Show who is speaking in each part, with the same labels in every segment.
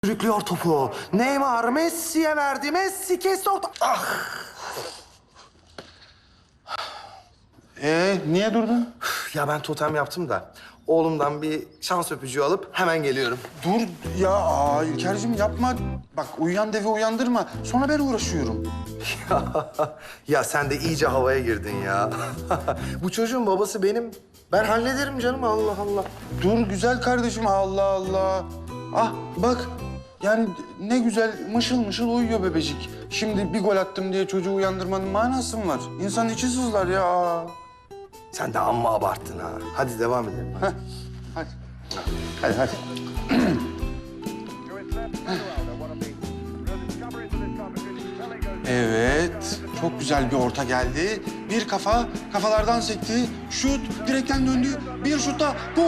Speaker 1: Sürüklüyor topu. Neymar Messi'ye verdi. Messi kesti orta. Ah!
Speaker 2: Niye durdun?
Speaker 1: Ya ben totem yaptım da oğlumdan bir şans öpücüğü alıp hemen geliyorum.
Speaker 2: Dur ya İlker'cim yapma. Bak uyuyan devi uyandırma. Sonra ben uğraşıyorum.
Speaker 1: Ya sen de iyice havaya girdin ya. Bu çocuğun babası benim. Ben hallederim canım, Allah Allah.
Speaker 2: Dur güzel kardeşim, Allah Allah. Ah bak yani ne güzel mışıl mışıl uyuyor bebecik. Şimdi bir gol attım diye çocuğu uyandırmanın manası mı var? İnsanın içi sızlar ya.
Speaker 1: Sen de amma abarttın ha. Hadi devam edelim.
Speaker 2: Heh, hadi. Hadi hadi. Evet, çok güzel bir orta geldi. Bir kafa, kafalardan sekti. Şut, direkten döndü. Bir şutta gol!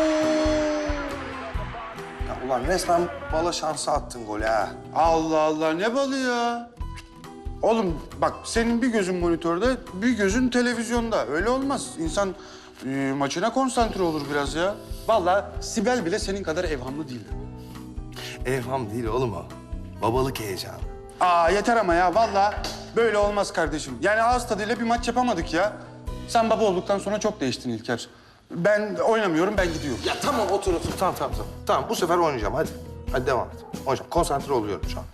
Speaker 1: Ya ulan resmen bala şansı attın golü ha.
Speaker 2: Allah Allah, ne balı ya? Oğlum bak, senin bir gözün monitörde, bir gözün televizyonda. Öyle olmaz. İnsan maçına konsantre olur biraz ya. Vallahi Sibel bile senin kadar evhamlı değil.
Speaker 1: Evham değil oğlum o. Babalık heyecanı.
Speaker 2: Aa yeter ama ya, vallahi böyle olmaz kardeşim. Yani ağız tadıyla bir maç yapamadık ya. Sen baba olduktan sonra çok değiştin İlker. Ben oynamıyorum, ben gidiyorum.
Speaker 1: Ya tamam otur. Tamam. Tamam bu sefer oynayacağım hadi. Hadi devam et. Oynayacağım. Konsantre oluyorum şu an.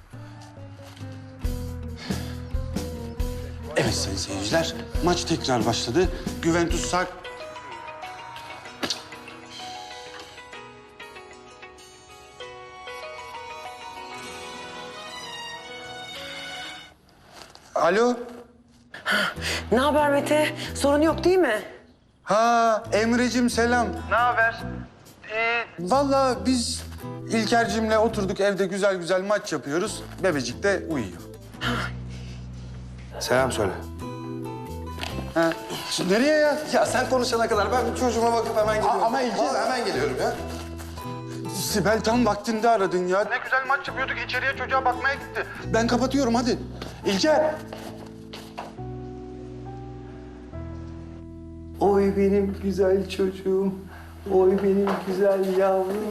Speaker 2: Evet sayın seyirciler, maç tekrar başladı. Juventus sağ... Alo?
Speaker 3: Ne haber Mete? Sorun yok değil mi?
Speaker 2: Ha Emre'cim selam. Ne haber? Vallahi biz İlker'cimle oturduk evde güzel güzel maç yapıyoruz. Bebecik de uyuyor.
Speaker 1: Selam söyle.
Speaker 2: Ha. Şimdi nereye ya?
Speaker 1: Ya sen konuşana kadar ben çocuğuma bakıp hemen geliyorum.
Speaker 2: Ama İlker-
Speaker 1: Vallahi hemen geliyorum ya.
Speaker 2: Sibel tam vaktinde aradın ya. Ne güzel maç yapıyorduk, içeriye çocuğa bakmaya gitti. Ben kapatıyorum hadi. İlker.
Speaker 1: Oy benim güzel çocuğum. Oy benim güzel yavrum.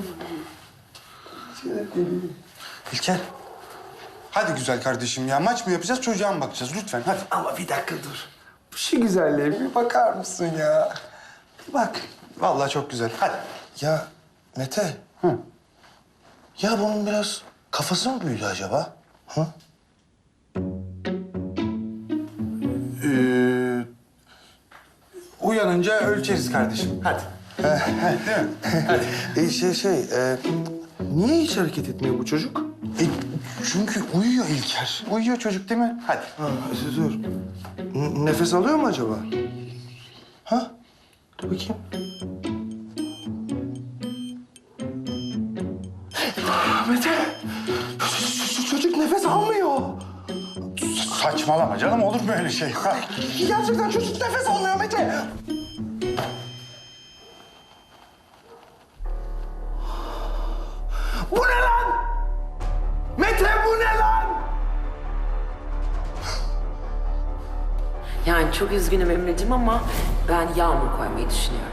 Speaker 2: İlker. Hadi güzel kardeşim ya. Maç mı yapacağız, çocuğa mı bakacağız? Lütfen hadi.
Speaker 1: Ama bir dakika dur. Şu güzelliğe bir bakar mısın ya? Bir bak.
Speaker 2: Vallahi çok güzel. Hadi.
Speaker 1: Ya Mete.
Speaker 2: Hı.
Speaker 1: Ya bunun biraz kafası mı büyüdü acaba? Hı?
Speaker 2: Uyanınca ölçeriz kardeşim. Hadi. Değil mi?
Speaker 1: Niye hiç hareket etmiyor bu çocuk?
Speaker 2: Çünkü uyuyor İlker. Uyuyor çocuk değil mi? Hadi.
Speaker 1: Ha, dur. Nefes alıyor mu acaba? Ha? Dur bakayım. Mete! Çocuk nefes almıyor.
Speaker 2: Saçmalama canım, olur mu öyle şey?
Speaker 1: Gerçekten çocuk nefes almıyor Mete. Bu ne lan? Mete bu ne lan?
Speaker 3: Yani çok üzgünüm Emre'cim ama ben yağmur koymayı düşünüyorum.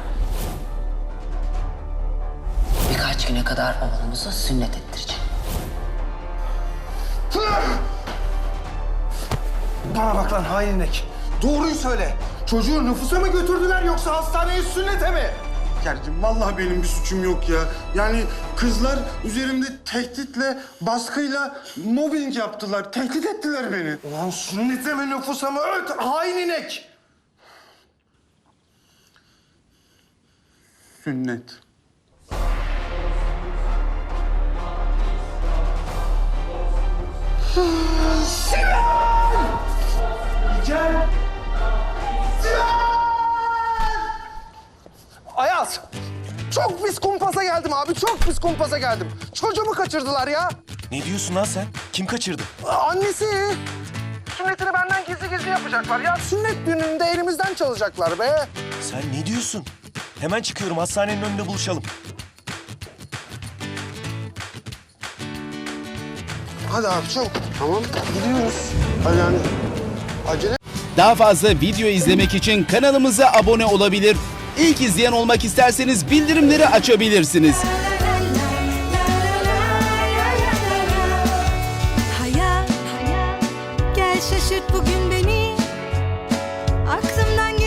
Speaker 3: Birkaç güne kadar oğlumuzu sünnet ettireceğim.
Speaker 1: Bana bak lan hain inek. Doğruyu söyle. Çocuğu nüfusa mı götürdüler yoksa hastaneye sünnete mi?
Speaker 2: İlker'cim vallahi benim bir suçum yok ya. Yani kızlar üzerimde tehditle, baskıyla mobbing yaptılar. Tehdit ettiler beni.
Speaker 1: Ulan sünnete mi nüfusa mı öt hain inek?
Speaker 2: Sünnet.
Speaker 1: Gel. Ayaz. Çok pis kumpasa geldim abi. Çok pis kumpasa geldim. Çocuğumu kaçırdılar ya.
Speaker 4: Ne diyorsun lan sen? Kim kaçırdı?
Speaker 1: Annesi. Sünnetini benden gizli yapacaklar ya. Sünnet düğününde elimizden çalacaklar be.
Speaker 4: Sen ne diyorsun? Hemen çıkıyorum, hastanenin önünde buluşalım.
Speaker 1: Hadi abi çabuk. Tamam gidiyoruz. Hadi yani acele.
Speaker 5: Daha fazla video izlemek için kanalımıza abone olabilir. İlk izleyen olmak isterseniz bildirimleri açabilirsiniz.
Speaker 6: şaşırt bugün beni. Aklımdan